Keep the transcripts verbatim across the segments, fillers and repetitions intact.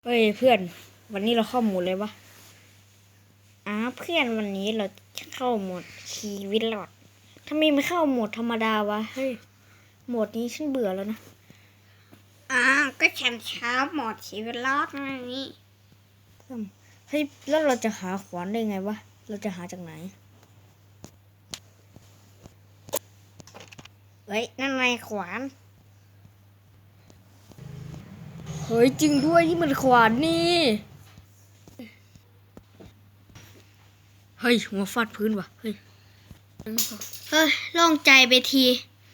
เฮ้ยเพื่อนวันนี้เราเข้าโหมดเลยวะอ้าเพื่อนวันนี้เราเข้าโหมดชีวิตรอดทำไมไม่เข้าโหมดธรรมดาวะเฮ้ยโหมดนี้ฉันเบื่อแล้วนะอ่าก็ฉันช้าหมดชีวิตรอดไงนี่เฮ้ยแล้วเราจะหาขวานได้ไงวะเราจะหาจากไหนเฮ้ยนั่นไงขวานเฮ้ยจริงด้วยนี่มันขวานนี่เฮ้ยหัวฟาดพื้นวะเฮ้ยเฮ้ยโล่งใจไปที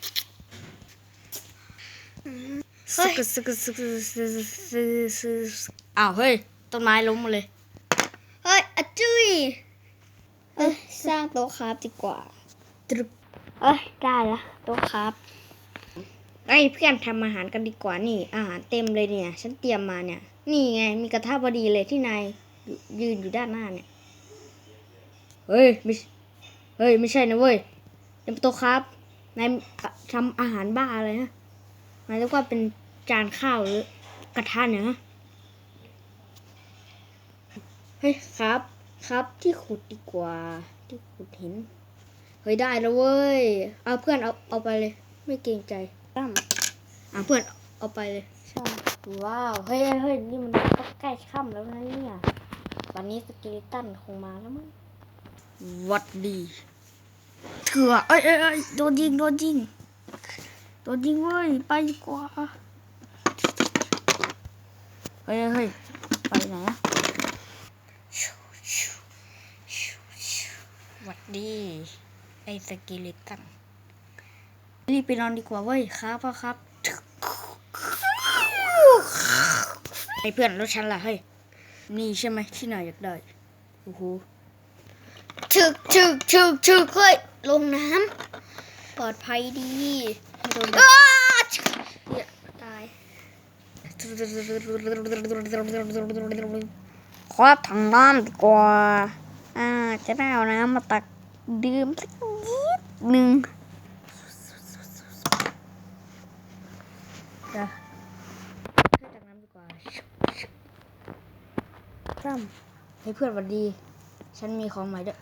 ซึกซึกซึกซึกซึกซึกอ้าวเฮ้ยต้นไม้ล้มมาเลยเฮ้ยอะจุ้ยเอ้ยสร้างโต๊ะคราฟดีกว่าตรึกเอ้ยได้ละโต๊ะคราฟไอ้เพื่อนทำอาหารกันดีกว่านี่อาหารเต็มเลยเนี่ยฉันเตรียมมาเนี่ยนี่ไงมีกระทะพอดีเลยที่นายยืนอยู่ด้านหน้าเนี่ยเฮ้ยไม่เฮ้ยไม่ใช่นะเว้ยเต็มโต๊ะครับนายทำอาหารบ้าอะไรฮะนายเรียกว่าเป็นจานข้าวหรือกระทะเนี่ยฮะเฮ้ยครับครับที่ขุดดีกว่าที่ขุดหินเฮ้ยได้แล้วเว้ยเอาเพื่อนเอาเอาไปเลยไม่เกรงใจตั้มอ่ะเพื่อนเอาไปเลยใช่ว้าวเฮ้ยเฮ้ยนี่มันก็ใกล้ค่ำแล้วนะเนี่ยตอนนี้สเกลิตันคงมาแล้วมั้งวัดดีเถื่อเอ้ยเอ้ยเอ้ยโดนยิงโดนยิงโดนยิงเว้ยไปดีกว่าเฮ้ยเฮ้ยไปไหนอะวัดดีไอ้สเกลิตันรีบไปนอนดีกว่าเว้ยครับพ่อครับไอ้เพื่อนแล้วฉันล่ะเฮ้ยนี่ใช่ไหมที่นายอยากได้โอ้โหชึกชึกชึกชึกเฮ้ยลงน้ำปลอดภัยดีไม่โดนอ้าเนี่ยตายคว้าถังน้ำดีกว่าอ่าจะได้เอาน้ำมาตักดื่มสักนิดหนึ่งจะให้ตักน้ำดีกว่าซ้ำให้เพื่อนหวัดดีฉันมีของใหม่ด้วย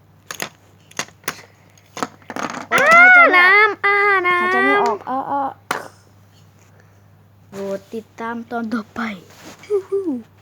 น้ำอ่าน้ำหายใจไม่ออกอ้ออ้อโปรดติดตามตอนต่อไป